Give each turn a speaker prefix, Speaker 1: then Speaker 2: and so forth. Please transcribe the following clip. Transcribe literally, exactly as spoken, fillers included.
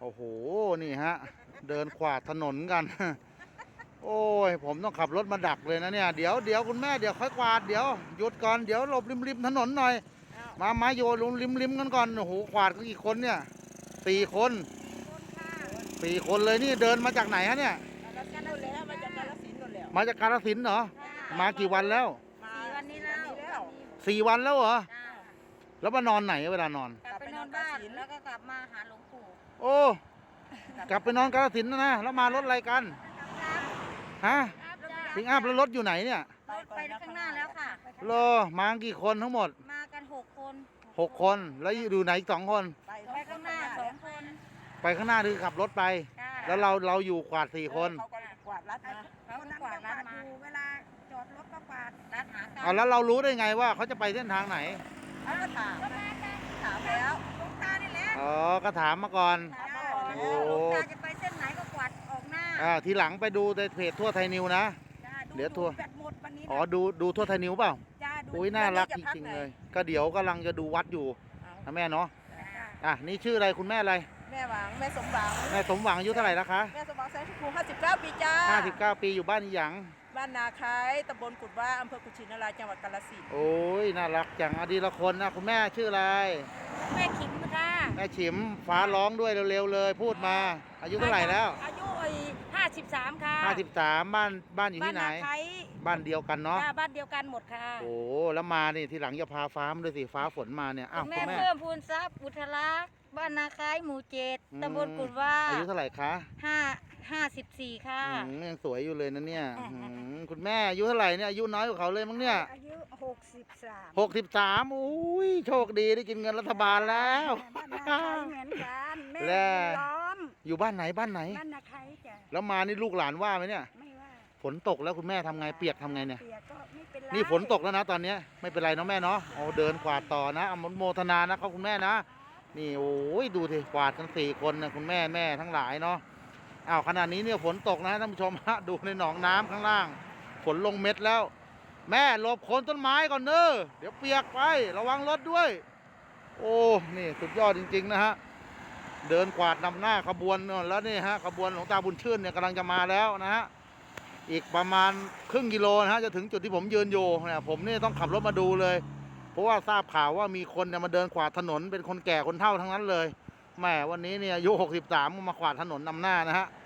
Speaker 1: โอ้โหนี่ฮะเดินขวาดถนนกันโอ้ยผมต้องขับรถมาดักเลยนะเนี่ยเดี๋ยวเดี๋ยวคุณแม่เดี๋ยวค่อยกวาดเดี๋ยวหยุดก่อนเดี๋ยวหลบริมริมถนนหน่อยมามาโยนลงริมริมกันก่อนโอ้โหกวาดกันกี่คนเนี่ยสี่คนสี่คนเลยนี่เดินมาจากไหนฮะเนี่ยมาจากกาฬสินธุ์เหรอมากี่วันแล้ว
Speaker 2: สี่วันนี้แล้ว
Speaker 1: สี่วันแล้วเหรอแล้วมานอนไหนเวลานอน
Speaker 2: กลับไปนอนบ้านแล้วก็กลับมาหาหลวงปู่
Speaker 1: โอ้กลับไปนอนกาฬสินธุ์นะนะแล้วมารถอะไรกันฮะปิงอัพแล้วรถอยู่ไหนเนี่ย
Speaker 2: รถไปข้างหน้าแล้วค่ะ
Speaker 1: รอมากี่คนทั้งหมด
Speaker 2: มากันหกคน
Speaker 1: หกคนแล้วอยู่ไหนอีกสองคน
Speaker 2: ไปข้างหน้าสองคน
Speaker 1: ไปข้างหน้าคือขับรถไปแล้วเราเราอยู่กวาดสี่คน
Speaker 2: เขาก็กวาดรัดมาเขากวาดรัดมาเวลาจอดรถก็กวาดรัดหา
Speaker 1: เอาแล้วเรารู้ได้ไงว่าเขาจะไปเส้นทางไหน
Speaker 2: เขาก็ถามถามแล้วหลวงตานี่แหละ
Speaker 1: อ๋อก็ถามมาก่อน
Speaker 2: โอ้หลวงตาจะไปเส้นไหนก็กวาดออกหน้า
Speaker 1: อ่าทีหลังไปดูในเพจทั่วไทยนิวนะเดี๋ยวทั่วอ๋อดูดูทั่วไทยนิวเปล่าอุ้ยน่ารักจริงๆเลยก็เดี๋ยวกำลังจะดูวัดอยู่นะแม่เนาะอ่ะนี่ชื่ออะไรคุณแม่อะไร
Speaker 2: แม่หวังแม่สมหวัง
Speaker 1: แม่สมหวังอายุเท่าไหร่แล้วคะ
Speaker 2: แม่สมหวังแสนชมพูห้าสิบเก้าปีจ้า
Speaker 1: ห้าสิบเก้าปีอยู่บ้านอีหยัง
Speaker 2: บ้านนาคายตำบลกุดว่าอำเภอกุชินารายจังหวัดกาฬสินธุ์
Speaker 1: โอ้ยน่ารักจังอดีละคนนะคุณแม่ชื่ออะไร
Speaker 2: แม่ขิมค่ะ
Speaker 1: แม่ฉิมฟ้าร้องด้วยเร็วๆเลยพูดมาอายุเท่าไหร่แล้ว
Speaker 2: อายุห้าสิบสามค่ะ
Speaker 1: ห้าสิบสามบ้านบ้านอยู่ที่ไหนบ้านเดียวกันเนาะ
Speaker 2: บ้านเดียวกันหมดค่ะ
Speaker 1: โอ้แล้วมานี่ทีหลังจะพาฟ้ามาด้วยสิฟ้าฝนมาเนี่ยอ้าวคุณ
Speaker 2: แม่เพิ่มพูนทรัพย์อุทลักษ์บ้านนาคายหมู่เจ็ดตำบลกุดว่า
Speaker 1: อายุเท่าไหร่คะ
Speaker 2: ห้าห้าสิบสี่ค่ะ
Speaker 1: ยังสวยอยู่เลยนะเนี่ยคุณแม่อายุเท่าไหร่เนี่ยอายุน้อยกว่าเขาเลยมั้งเนี่ย
Speaker 2: อายุหกสิบสาม
Speaker 1: หกสิบสามอุ้ยโชคดีได้กินเงินรัฐบาลแล้ว
Speaker 2: บ้านนาคายเหมือนกันแม่ล้อม
Speaker 1: อยู่บ้านไหนบ้านไหน
Speaker 2: บ้านนาคายจ้ะ
Speaker 1: แล้วมานี่ลูกหลานว่าไหมเนี่ย
Speaker 2: ไม่ว่า
Speaker 1: ฝนตกแล้วคุณแม่ทำไงเปียกทำไงเนี่ย
Speaker 2: เปียกก็ไม่เป็นไร
Speaker 1: นี่ฝนตกแล้วนะตอนนี้ไม่เป็นไรเนาะแม่เนาะโอ้เดินกวาดต่อนะอนุโมทนานะครับคุณแม่นะนี่โอ้ยดูสิกวาดกันสี่คนนะคุณแม่แม่ทั้งหลายเนาะอ้าวขณะนี้เนี่ยฝนตกนะท่านผู้ชมฮะดูในหนองน้ำข้างล่างฝนลงเม็ดแล้วแม่หลบโคนต้นไม้ก่อนเนอะเดี๋ยวเปียกไประวังรถด้วยโอ้นี่สุดยอดจริงๆนะฮะเดินกวาดนำหน้าขบวนแล้วนี่ฮะขบวนหลวงตาบุญชื่นเนี่ยกำลังจะมาแล้วนะฮะอีกประมาณครึ่งกิโลนะฮะจะถึงจุดที่ผมยืนอยู่เนี่ยผมนี่ต้องขับรถมาดูเลยเพราะว่าทราบข่าวว่ามีคนเนี่ยมาเดินขวาดถนนเป็นคนแก่คนเฒ่าทั้งนั้นเลยแม่วันนี้เนี่ยอายุหกสิบสามมาขวาดถนนนำหน้านะฮะ